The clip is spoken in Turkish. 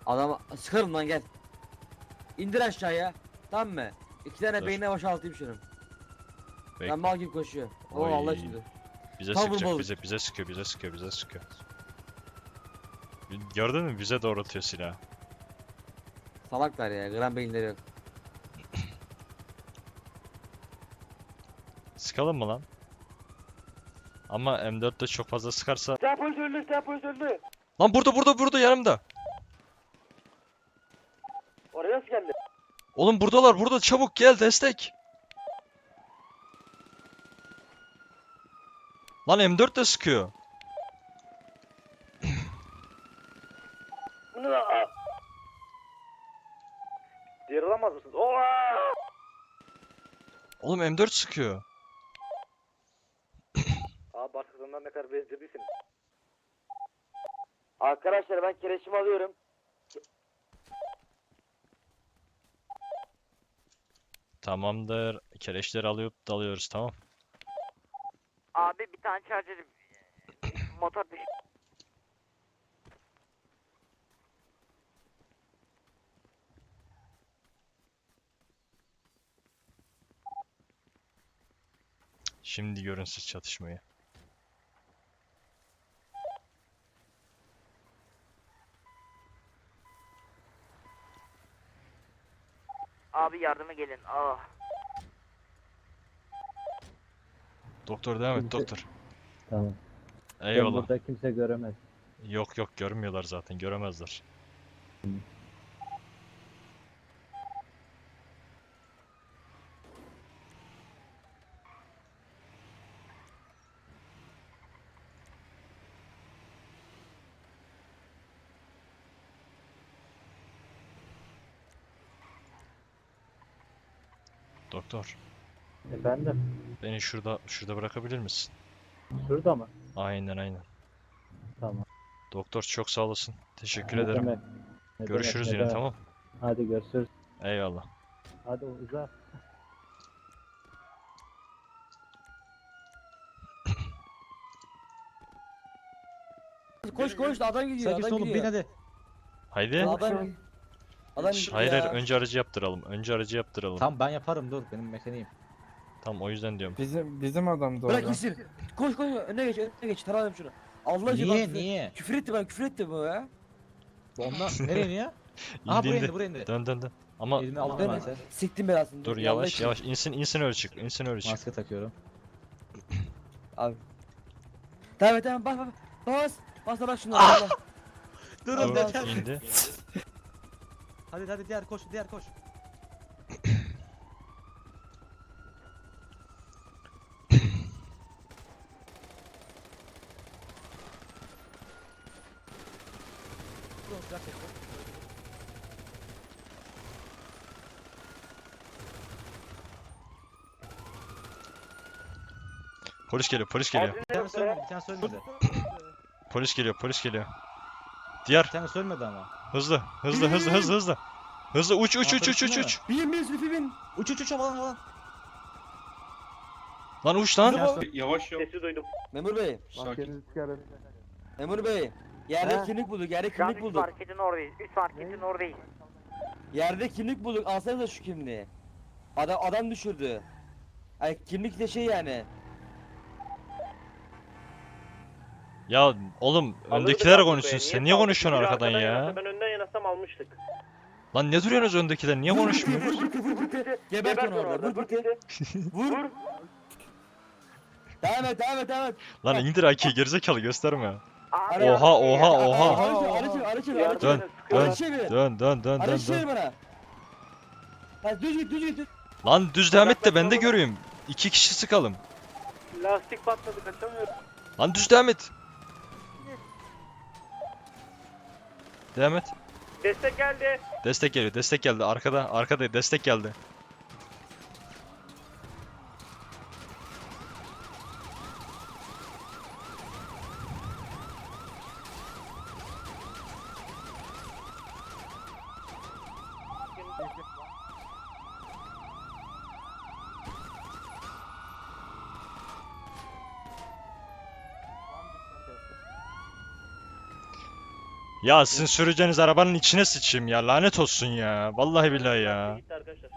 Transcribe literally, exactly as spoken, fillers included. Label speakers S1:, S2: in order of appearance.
S1: Adam sıkarım lan gel. İndir aşağıya. Tamam mı? İki tane
S2: Dur.
S1: beynine boşaltayım şunu.
S2: Bekle.
S1: Ben mal gibi koşuyor. Oo
S2: Oy.
S1: Allah şimdi.
S2: Bize
S1: Tam
S2: sıkacak,
S1: vurmalık.
S2: bize bize sıkıyor, bize sıkıyor, bize sıkıyor. Gördün mü? Bize doğrultuyor silahı.
S1: Salaklar ya. Gram beyinleri yok.
S2: Sıkalım mı lan? Ama M dörtte çok fazla sıkarsa...
S3: Sen polis öldü, sen polis öldü.
S2: Lan burada burada burada yanımda.
S3: Oraya nasıl geldi?
S2: Oğlum buradalar burada, çabuk gel destek. Lan M dört de sıkıyor.
S3: Bunu da... Aa! Diğer alamaz mısınız? Oha!
S2: Oğlum M dört sıkıyor.
S3: Abi başkasından ne kadar bezdirdiysin. Arkadaşlar ben kereçimi alıyorum.
S2: Tamamdır. Keleşleri alıp dalıyoruz, tamam.
S4: Abi bir tane charger motor düş.
S2: Şimdi görün siz çatışmayı.
S4: Abi yardıma gelin. Ah.
S2: Doktor devam et
S5: Kimse-
S2: doktor.
S5: Tamam. Ben
S2: Eyvallah.
S5: burada kimse göremez.
S2: Yok yok görmüyorlar zaten, göremezler. Doktor,
S5: Efendim?
S2: beni şurada şurada bırakabilir misin?
S5: Şurada mı?
S2: Aynen aynen.
S5: Tamam.
S2: Doktor çok sağ olasın. Teşekkür
S5: Ne
S2: ederim.
S5: demek? Ne
S2: Görüşürüz
S5: demek, ne
S2: yine,
S5: demek.
S2: tamam.
S5: Hadi görüşürüz.
S2: Eyvallah.
S5: Hadi uza.
S1: Koş koş adam gidiyor.
S6: Sakin
S1: Adam
S6: oğlum bin
S1: gidiyor.
S6: hadi.
S2: Haydi.
S1: Adam. Adam
S2: Şş,
S1: gidiyor
S2: hayır
S1: ya.
S2: hayır, önce aracı yaptıralım. Önce aracı yaptıralım.
S6: Tamam ben yaparım dur benim mekaniğim.
S2: Tam o yüzden diyorum.
S7: Bizim bizim adam da
S1: Bırak
S7: orada.
S1: gitsin. Koş koş önüne geç önüne geç. Tarayalım şunu. Allah aşkına
S6: Niye
S1: bak,
S6: niye?
S1: Küfür etti bana küfür etti bu ya.
S6: Ondan nereye niye? Aha buraya
S2: İndiğinde
S6: indi buraya indi.
S2: dön dön dön. Ama
S6: Elini aldım
S1: Ben
S6: ben sen.
S1: siktim belasını.
S2: dur
S1: Ya
S2: yavaş
S1: Allah aşkına.
S2: yavaş insin insin öyle çık. İnsin öyle çık.
S6: Maske takıyorum.
S1: Abi. Tamam tamam bas bas. Bas. Bas da bak şunu. Allah.
S6: Dur
S1: Allah.
S2: Dur
S6: yeter.
S2: indi.
S6: Hadi hadi diğer koş diğer koş. Dur, silah çek.
S2: Polis geliyor polis geliyor.
S6: Bir tane sölmedi bir tane sölmedi.
S2: Polis geliyor polis geliyor. Diğer
S6: Bir tane sölmedi ama.
S2: hızlı hızlı hızlı hızlı hızlı. Hızlı uç uç
S6: Aa,
S2: uç uç uç
S6: polis
S2: uç.
S1: Bin bin Zülfü bin.
S6: Uç uç uç havalan havalan.
S2: Lan uç lan.
S6: Bir tane söl-
S3: Yavaş yavaş. Sesi duydum.
S1: Memur bey.
S7: Maskenizi çıkarın.
S1: Memur bey. Yerde
S7: He?
S1: kimlik bulduk. Yerde
S4: Şu an
S1: kimlik
S4: üç
S1: bulduk.
S4: marketin oradayız. üç marketin oradayız.
S1: Yerde kimlik bulduk. Alsanıza şu kimliği. Adam adam düşürdü. Ay kimlik de şey yani.
S2: Ya oğlum öndekiler konuşsun. Sen niye konuşuyorsun arkadan ya?
S3: Ben önden yanasam almıştık.
S2: Lan ne duruyorsunuz öndekiler? Niye konuşmuyorsunuz?
S1: Gebert onu orada. Vur pıtı. Vur. Devam et devam et devam et.
S2: Lan indir A K'yi gerizekalı gösterme.
S4: Abi,
S2: Oha oha oha.
S1: Arı çevir arı çevir arı çevir arı çevir.
S2: Dön dön
S1: Arı çevir.
S2: dön dön dön
S1: Arı
S2: dön
S1: çevir
S2: dön.
S1: bana. Ha düz git düz git. düz.
S2: Lan düz devam et de ben de göreyim. İki kişi sıkalım.
S3: Lastik patladı kaçamıyorum.
S2: Lan düz devam et. Devam et.
S3: Destek geldi.
S2: Destek geliyor destek geldi. Arkada arkada destek geldi. Ya sizin süreceğiniz arabanın içine sıçayım ya. Lanet olsun ya. Vallahi billahi ya.
S3: Gitti arkadaşlar.